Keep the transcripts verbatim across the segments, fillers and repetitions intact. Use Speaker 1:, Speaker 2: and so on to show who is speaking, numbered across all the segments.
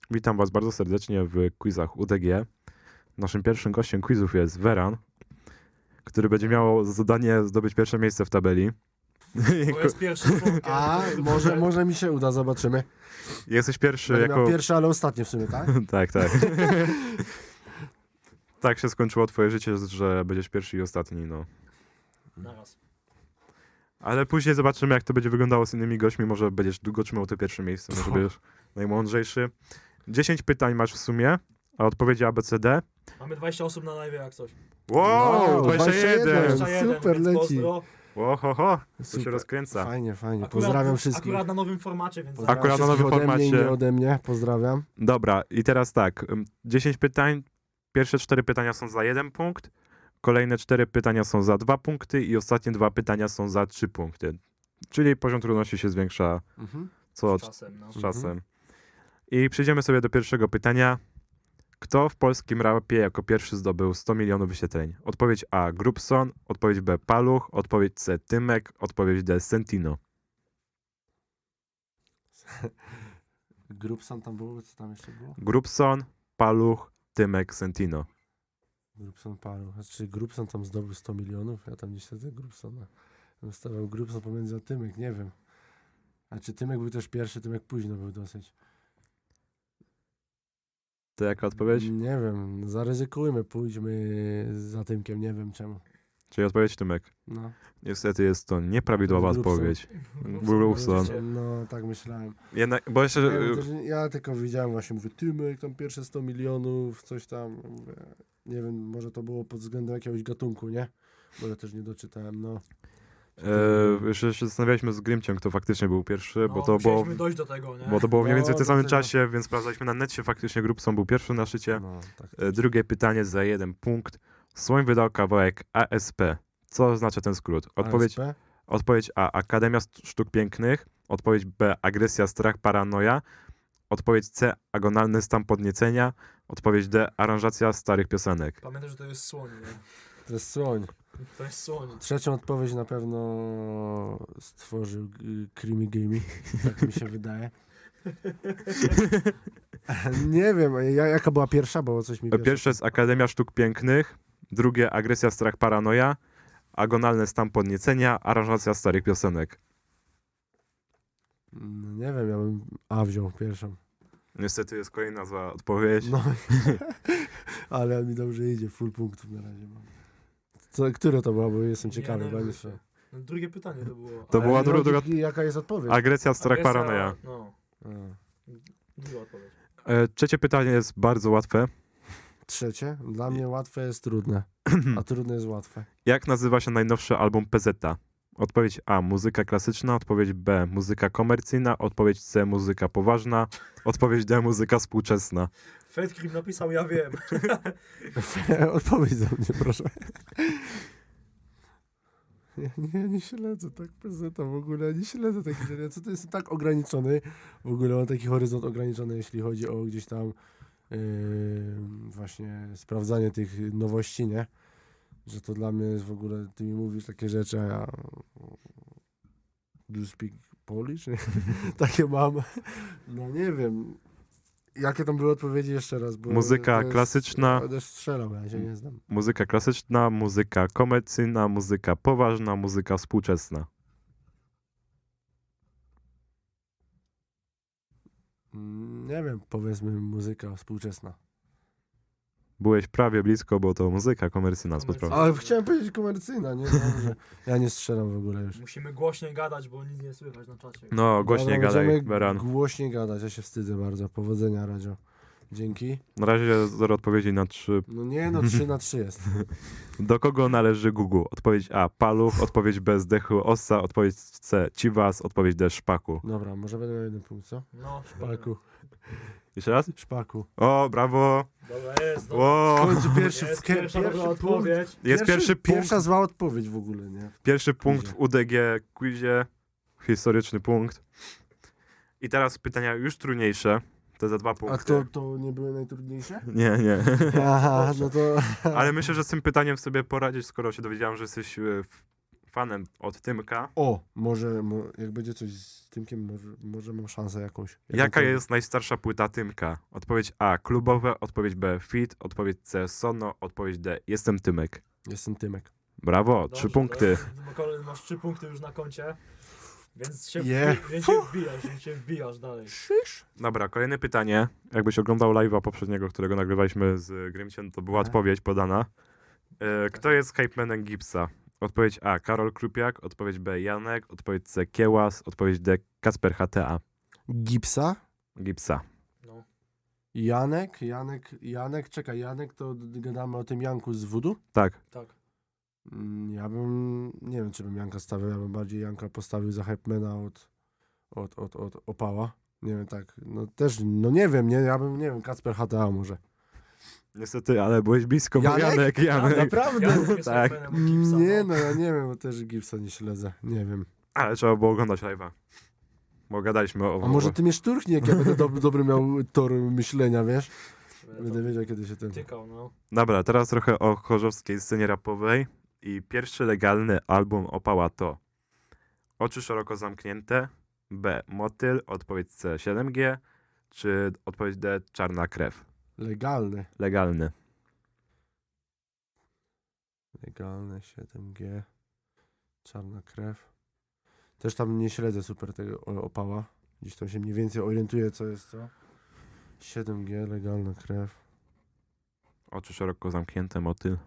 Speaker 1: Witam Was bardzo serdecznie w quizach U D G. Naszym pierwszym gościem quizów jest Veran, który będzie miał za zadanie zdobyć pierwsze miejsce w tabeli.
Speaker 2: To jest pierwszy człowiek.
Speaker 3: A, może, może mi się uda, zobaczymy.
Speaker 1: Jesteś pierwszy
Speaker 3: Będę
Speaker 1: jako...
Speaker 3: miał pierwszy, ale ostatni w sumie, tak?
Speaker 1: tak, tak. tak się skończyło twoje życie, że będziesz pierwszy i ostatni, no.
Speaker 2: Naraz.
Speaker 1: Ale później zobaczymy, jak to będzie wyglądało z innymi gośćmi. Może będziesz długo trzymał to pierwsze miejsce, może będziesz najmądrzejszy. dziesięć pytań masz w sumie, a odpowiedzi A, B, C, D.
Speaker 2: Mamy dwadzieścia osób na live jak coś.
Speaker 1: Wow,
Speaker 3: No,
Speaker 1: dwadzieścia jeden!
Speaker 3: dwadzieścia jeden. Super,
Speaker 2: więc
Speaker 3: leci.
Speaker 2: pozdro.
Speaker 1: Ło, ho, ho, to się
Speaker 3: Super.
Speaker 1: rozkręca.
Speaker 3: Fajnie, fajnie.
Speaker 2: Akurat-
Speaker 3: Pozdrawiam wszystkich.
Speaker 2: Akurat na nowym formacie, więc...
Speaker 3: Pozdrawiam
Speaker 1: Akurat na
Speaker 3: wszystkich
Speaker 1: nowym
Speaker 3: ode mnie i
Speaker 1: formacie.
Speaker 3: nie ode mnie. Pozdrawiam.
Speaker 1: Dobra, i teraz tak. ym, dziesięć pytań. Pierwsze cztery pytania są za jeden punkt. Kolejne cztery pytania są za dwa punkty i ostatnie dwa pytania są za trzy punkty. Czyli poziom trudności się zwiększa
Speaker 3: Mhm.
Speaker 1: co
Speaker 2: Z czasem, no.
Speaker 1: z czasem. I przejdziemy sobie do pierwszego pytania. Kto w polskim rapie jako pierwszy zdobył sto milionów wyświetleń? Odpowiedź A. Grubson, odpowiedź B. Paluch, odpowiedź C. Tymek, odpowiedź D. Sentino.
Speaker 3: Grupson tam było? Co tam jeszcze było?
Speaker 1: Grubson, Paluch, Tymek, Sentino.
Speaker 3: Grupson paru. Znaczy Grupson tam zdobył sto milionów? Ja tam nie śledzę Grupsona. Bym stawiał Grupson pomiędzy a Tymek, nie wiem. A czy Tymek był też pierwszy, Tymek późno był dosyć.
Speaker 1: To jaka odpowiedź?
Speaker 3: Nie wiem, zaryzykujmy, pójdźmy za Tymkiem, nie wiem czemu.
Speaker 1: Czyli odpowiedź Tymek.
Speaker 3: No.
Speaker 1: Niestety jest to nieprawidłowa
Speaker 3: Grubson.
Speaker 1: odpowiedź.
Speaker 2: Grubson.
Speaker 1: Grubson.
Speaker 3: No, tak myślałem.
Speaker 1: Jednak, bo jeszcze...
Speaker 3: Ja, też, ja tylko widziałem właśnie, mówię, Tymek, tam pierwsze sto milionów, coś tam. Mówię, nie wiem, może to było pod względem jakiegoś gatunku, nie? Bo ja też nie doczytałem, no.
Speaker 1: E, jeszcze się zastanawialiśmy z Grimciem, kto faktycznie był pierwszy,
Speaker 2: No,
Speaker 1: bo to było...
Speaker 2: musieliśmy dojść do tego, nie?
Speaker 1: Bo to było mniej
Speaker 3: No,
Speaker 1: więcej w tym
Speaker 3: do
Speaker 1: samym
Speaker 3: tego.
Speaker 1: czasie, więc sprawdzaliśmy na necie, faktycznie Grubson był pierwszy na szycie.
Speaker 3: No, tak.
Speaker 1: E, Drugie pytanie za jeden punkt. Słoń wydał kawałek A S P. Co oznacza ten skrót? Odpowiedź,
Speaker 3: A S P?
Speaker 1: odpowiedź A. Akademia Sztuk Pięknych. Odpowiedź B. Agresja, strach, paranoja. Odpowiedź C. Agonalny stan podniecenia. Odpowiedź D. Aranżacja starych piosenek.
Speaker 2: Pamiętaj, że to jest słoń, nie?
Speaker 3: To jest słoń.
Speaker 2: To jest słoń.
Speaker 3: Trzecią odpowiedź na pewno stworzył y, Creamy Gamey. Tak mi się wydaje. Nie wiem, ja- jaka była pierwsza, bo coś mi
Speaker 1: E, Pierwsze jest Akademia Sztuk Pięknych. Drugie Agresja, strach, paranoja. Agonalny stan podniecenia. Aranżacja starych piosenek.
Speaker 3: No, nie wiem, ja bym A wziął pierwszą.
Speaker 1: Niestety jest kolejna zła odpowiedź.
Speaker 3: No, ale mi dobrze idzie, full punktów na razie mam. Co, które to było, bo jestem ciekawy.
Speaker 2: Nie,
Speaker 3: bo
Speaker 2: no,
Speaker 3: nie
Speaker 2: wiesz,
Speaker 3: wiem.
Speaker 2: no, drugie pytanie to było.
Speaker 1: To
Speaker 2: Ale
Speaker 1: była
Speaker 3: Ale
Speaker 1: dru- druga-
Speaker 3: logiki, jaka jest odpowiedź?
Speaker 1: Agresja, strach,
Speaker 2: agresja,
Speaker 1: paranoja.
Speaker 2: No,
Speaker 3: A.
Speaker 2: druga odpowiedź.
Speaker 1: E, Trzecie pytanie jest bardzo łatwe.
Speaker 3: Trzecie? Dla mnie łatwe jest trudne, a trudne jest łatwe.
Speaker 1: Jak nazywa się najnowszy album P Z? Odpowiedź A. Muzyka klasyczna. Odpowiedź B. Muzyka komercyjna. Odpowiedź C. Muzyka poważna. Odpowiedź D. Muzyka współczesna.
Speaker 2: Fedkrim napisał, ja wiem.
Speaker 3: Odpowiedź za mnie, proszę. Ja nie, nie śledzę tak P Z w ogóle, nie śledzę takich rzeczy. Co to jest tak ograniczony, w ogóle mam taki horyzont ograniczony, jeśli chodzi o gdzieś tam yy, właśnie sprawdzanie tych nowości, nie? Że to dla mnie jest w ogóle, ty mi mówisz takie rzeczy, a ja do you speak Polish? Nie? Takie mam. No nie wiem. Jakie tam były odpowiedzi jeszcze raz? Bo
Speaker 1: Muzyka
Speaker 3: to jest-
Speaker 1: klasyczna.
Speaker 3: Będę strzelał, ja się nie znam.
Speaker 1: Muzyka klasyczna. Muzyka komercyjna. Muzyka poważna. Muzyka współczesna.
Speaker 3: Mm, Nie wiem, powiedzmy muzyka współczesna.
Speaker 1: Byłeś prawie blisko, bo to muzyka komercyjna.
Speaker 2: Komercyjna.
Speaker 1: spod-
Speaker 3: Ale chciałem powiedzieć komercyjna, nie? Dobrze. Ja nie strzelam w ogóle już.
Speaker 2: Musimy głośniej gadać, bo nic nie słychać na czacie.
Speaker 1: No, głośniej
Speaker 3: Dobra,
Speaker 1: gadaj,
Speaker 3: będziemy
Speaker 1: Beran.
Speaker 3: Głośniej gadać, ja się wstydzę bardzo. Powodzenia, Radzio. Dzięki.
Speaker 1: Na razie zero odpowiedzi na trzy.
Speaker 3: No nie, no trzy na trzy jest.
Speaker 1: Do kogo należy Gugu? Odpowiedź A. Paluch. Odpowiedź B. Zdechły Ossa. Odpowiedź C. Ciwas. Odpowiedź D. Szpaku.
Speaker 3: Dobra, może będę miał jeden punkt, co?
Speaker 2: No,
Speaker 3: Szpaku.
Speaker 1: Jeszcze raz?
Speaker 3: Szpaku.
Speaker 1: O, brawo!
Speaker 2: Dobra, jest, dobra.
Speaker 1: O,
Speaker 3: W końcu pierwszy,
Speaker 2: Jest
Speaker 3: w kie-
Speaker 2: pierwsza dobra
Speaker 3: punkt.
Speaker 2: odpowiedź.
Speaker 1: jest pierwszy punkt.
Speaker 3: Pierwsza zła odpowiedź w ogóle, nie?
Speaker 1: Pierwszy punkt
Speaker 3: Quizie.
Speaker 1: w U D G quizie. Historyczny punkt. I teraz pytania już trudniejsze. Te za dwa punkty.
Speaker 3: A to, to nie były najtrudniejsze?
Speaker 1: Nie, nie.
Speaker 3: Aha, no to...
Speaker 1: Ale myślę, że z tym pytaniem sobie poradzić, skoro się dowiedziałem, że jesteś e, f- fanem od Tymka.
Speaker 3: O, może, mo, jak będzie coś z Tymkiem, może, może mam szansę jakąś.
Speaker 1: Jaka
Speaker 3: jakąkolwiek.
Speaker 1: jest najstarsza płyta Tymka? Odpowiedź A. Klubowe, odpowiedź B. Fit, odpowiedź C. Sono, odpowiedź D. Jestem Tymek.
Speaker 3: Jestem Tymek.
Speaker 1: Brawo,
Speaker 2: Dobrze,
Speaker 1: trzy punkty.
Speaker 2: To, Kolej, masz trzy punkty już na koncie. Więc się,
Speaker 3: Je.
Speaker 2: wbi- więc się wbijasz, więc się wbijasz dalej.
Speaker 3: Szysz?
Speaker 1: Dobra, kolejne pytanie. Jakbyś oglądał live'a poprzedniego, którego nagrywaliśmy z Grymciem, to była
Speaker 3: Tak.
Speaker 1: odpowiedź podana. E, kto jest hypemanem Gipsa? Odpowiedź A. Karol Krupiak, odpowiedź B. Janek, odpowiedź C. Kiełas, odpowiedź D. Kasper H T A.
Speaker 3: Gipsa?
Speaker 1: Gipsa.
Speaker 2: No.
Speaker 3: Janek? Janek, Janek, czekaj, Janek, to d- gadamy o tym Janku z Wudu?
Speaker 1: Tak.
Speaker 2: Tak.
Speaker 3: Mm, Ja bym, nie wiem, czy bym Janka stawiał, ja bym bardziej Janka postawił za Hypemana od, od, od, od Opała. Nie wiem, tak, no też, no nie wiem, nie, ja bym, nie wiem, Kacper H T A może.
Speaker 1: Niestety, ale byłeś blisko, bo
Speaker 3: Janek?
Speaker 1: Janek, Janek.
Speaker 3: Naprawdę?
Speaker 2: Ja mówię
Speaker 1: Tak.
Speaker 2: tak. Gipsa,
Speaker 3: Nie,
Speaker 2: no.
Speaker 3: no ja nie wiem, bo też Gipsa nie śledzę, nie wiem.
Speaker 1: Ale trzeba było oglądać live'a. Bo gadaliśmy o...
Speaker 3: A może ty mnie szturchnie, jak ja będę dob- dobry miał tor myślenia, wiesz?
Speaker 2: Będę
Speaker 3: Będę wiedział, kiedy się ten...
Speaker 2: tykał, no.
Speaker 1: Dobra, teraz trochę o chorzowskiej scenie rapowej. I pierwszy legalny album Opała to Oczy szeroko zamknięte, B. Motyl, odpowiedź C. siedem G, czy odpowiedź D. Czarna krew.
Speaker 3: Legalny.
Speaker 1: Legalny.
Speaker 3: Legalny, siedem G. Czarna krew. Też tam nie śledzę super tego o- Opała. Gdzieś tam się mniej więcej orientuję, co jest co. siedem G, legalna krew.
Speaker 1: Oczy szeroko zamknięte, Motyl.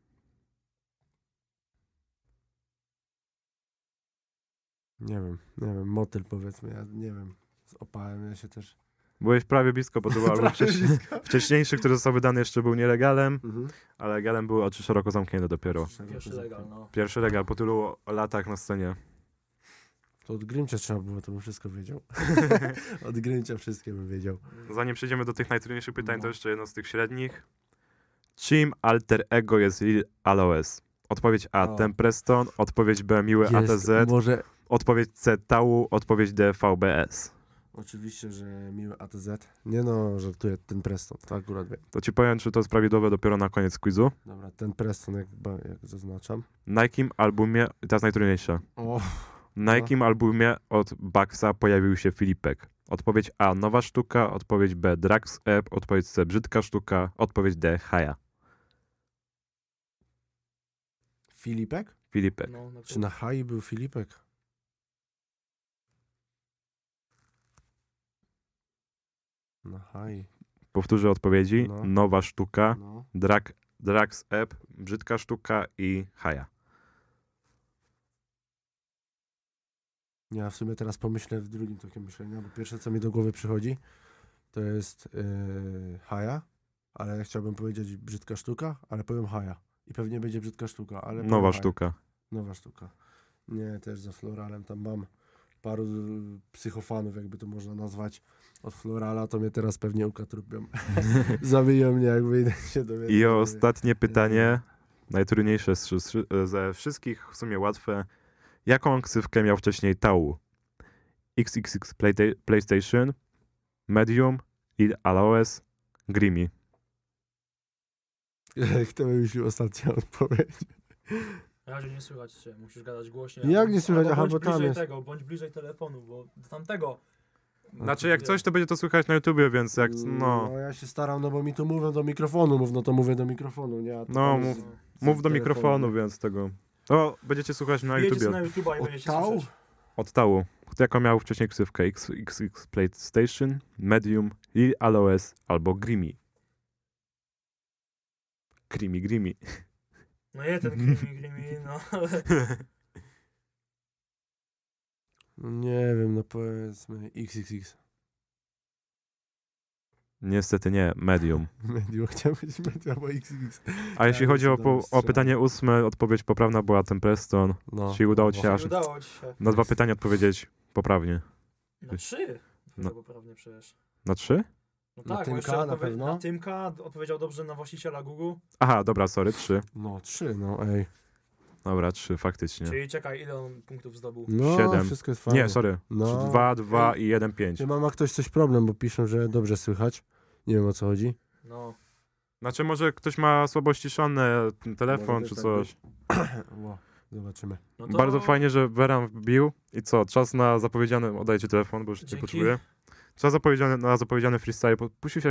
Speaker 3: Nie wiem, nie wiem, motyl powiedzmy, ja nie wiem. Z Opałem ja się też...
Speaker 1: Byłeś prawie blisko, bo to był album
Speaker 3: Prawie
Speaker 1: wcześniej,
Speaker 3: blisko.
Speaker 1: wcześniejszy, który został wydany, jeszcze był nielegalem,
Speaker 3: Mhm.
Speaker 1: ale legalem były Oczy szeroko zamknięte dopiero.
Speaker 2: Pierwszy legal, no.
Speaker 1: Pierwszy legal po tylu latach na scenie.
Speaker 3: To od Grymcia trzeba było, to bym wszystko wiedział. Od Grymcia wszystkie bym wiedział.
Speaker 1: Zanim przejdziemy do tych najtrudniejszych pytań,
Speaker 3: No.
Speaker 1: to jeszcze jedno z tych średnich. Czym alter ego jest Lil Aloes? Odpowiedź A.
Speaker 3: O.
Speaker 1: Tempreston, odpowiedź B. Miły A T Z,
Speaker 3: może...
Speaker 1: odpowiedź C. Tału, odpowiedź D. V B S.
Speaker 3: Oczywiście, że miły A T Z. Nie no, żartuję, ten Preston, to akurat wiem.
Speaker 1: To ci powiem, czy to jest prawidłowe dopiero na koniec quizu.
Speaker 3: Dobra, ten Preston, jak, ba- jak zaznaczam.
Speaker 1: Na jakim albumie, i teraz najtrudniejsze,
Speaker 3: O,
Speaker 1: na
Speaker 3: No.
Speaker 1: jakim albumie od Baxa pojawił się Filipek? Odpowiedź A. Nowa sztuka, odpowiedź B. Drax App, odpowiedź C. Brzydka sztuka, odpowiedź D. Haja.
Speaker 3: Filipek?
Speaker 1: Filipek.
Speaker 2: No, na
Speaker 3: Czy na Hai był Filipek? Na Hai,
Speaker 1: Powtórzę odpowiedzi.
Speaker 3: No.
Speaker 1: Nowa sztuka,
Speaker 3: no.
Speaker 1: Drak, Drax App, Brzydka sztuka i Haja.
Speaker 3: Ja w sumie teraz pomyślę w drugim tokiem myślenia, bo pierwsze co mi do głowy przychodzi, to jest yy, Haja, ale ja chciałbym powiedzieć brzydka sztuka, ale powiem Haja. I pewnie będzie brzydka sztuka, ale powiem
Speaker 1: Nowa
Speaker 3: Haja.
Speaker 1: sztuka.
Speaker 3: Nowa sztuka. Nie, też za Floralem tam mam paru y, psychofanów, jakby to można nazwać. Od Florala to mnie teraz pewnie ukatrupią. Zabiją mnie, jak wyjdę się dowiedzieć.
Speaker 1: I ostatnie pytanie, najtrudniejsze z, z, ze wszystkich, w sumie łatwe. Jaką ksywkę miał wcześniej Tału? X X X Playta- PlayStation, Medium, Lil Aloes, Grimmy.
Speaker 3: Kto wymyślił ostatnią odpowiedź?
Speaker 2: Na razie nie słychać cię, musisz gadać głośniej.
Speaker 3: Jak
Speaker 2: albo-
Speaker 3: nie słychać?
Speaker 2: albo
Speaker 3: Aha,
Speaker 2: bądź
Speaker 3: bo tam
Speaker 2: bliżej
Speaker 3: jest.
Speaker 2: tego, bądź bliżej telefonu, bo do tamtego.
Speaker 1: Znaczy jak coś, to będzie to słychać na YouTubie, więc jak,
Speaker 3: No
Speaker 1: no,
Speaker 3: ja się staram, no bo mi tu mówią do mikrofonu, mów, no to mówię do mikrofonu, nie? A to
Speaker 1: No,
Speaker 3: tam
Speaker 1: mów-
Speaker 3: z- z
Speaker 1: mów do
Speaker 3: telefonu,
Speaker 1: mikrofonu,
Speaker 3: nie?
Speaker 1: więc tego. O, będziecie słuchać na
Speaker 2: Jedziecie
Speaker 1: YouTubie.
Speaker 2: na YouTube'a i
Speaker 3: Od
Speaker 2: będziecie
Speaker 3: Tał?
Speaker 2: słyszeć.
Speaker 1: Od Tału. Jaką miał wcześniej ksywkę? X X X PlayStation, Medium, Lil Aloes albo Grimmy. Grimmy, Grimmy.
Speaker 2: No je ten Grimmy, Grimmy, no ale...
Speaker 3: No nie wiem, no powiedzmy X X X.
Speaker 1: Niestety nie, Medium.
Speaker 3: Medium, chciałem powiedzieć Medium albo X X X.
Speaker 1: A jeśli
Speaker 3: Ja
Speaker 1: chodzi o,
Speaker 3: jestem
Speaker 1: po,
Speaker 3: dobry
Speaker 1: o
Speaker 3: strzelec.
Speaker 1: pytanie ósme, odpowiedź poprawna była Tempreston.
Speaker 3: No.
Speaker 1: Czyli udało ci się
Speaker 3: No.
Speaker 1: aż
Speaker 2: Nie udało ci się.
Speaker 1: na dwa pytania odpowiedzieć poprawnie.
Speaker 2: Na trzy.
Speaker 1: No.
Speaker 2: No. Poprawnie przecież.
Speaker 1: Na trzy?
Speaker 2: No
Speaker 3: Na
Speaker 2: tak, bo
Speaker 3: Tymka
Speaker 2: jeszcze
Speaker 3: na
Speaker 2: odpowie-
Speaker 3: pewno?
Speaker 2: Na Tymka odpowiedział dobrze na właściciela Google.
Speaker 1: Aha, dobra, sorry, trzy.
Speaker 3: No, trzy, no ej.
Speaker 1: Dobra, trzy, faktycznie.
Speaker 2: Czyli czekaj, ile on punktów zdobył?
Speaker 3: No,
Speaker 1: Siedem.
Speaker 3: wszystko jest fajnie.
Speaker 1: Nie, sorry.
Speaker 3: No.
Speaker 1: Dwa, dwa i jeden, pięć.
Speaker 3: Czy ma, ma ktoś coś problem, bo piszą, że dobrze słychać. Nie wiem o co chodzi.
Speaker 2: No.
Speaker 1: Znaczy może ktoś ma słabo ściszony telefon
Speaker 3: Może
Speaker 1: czy
Speaker 3: też
Speaker 1: coś.
Speaker 3: tak Ło. Zobaczymy.
Speaker 2: No to
Speaker 1: Bardzo fajnie, że Beran wbił. I co, czas na zapowiedziany... Oddajcie telefon, bo już nie
Speaker 2: Dzięki.
Speaker 1: potrzebuję. Czas zapowiedziany, na zapowiedziany freestyle. Puścił się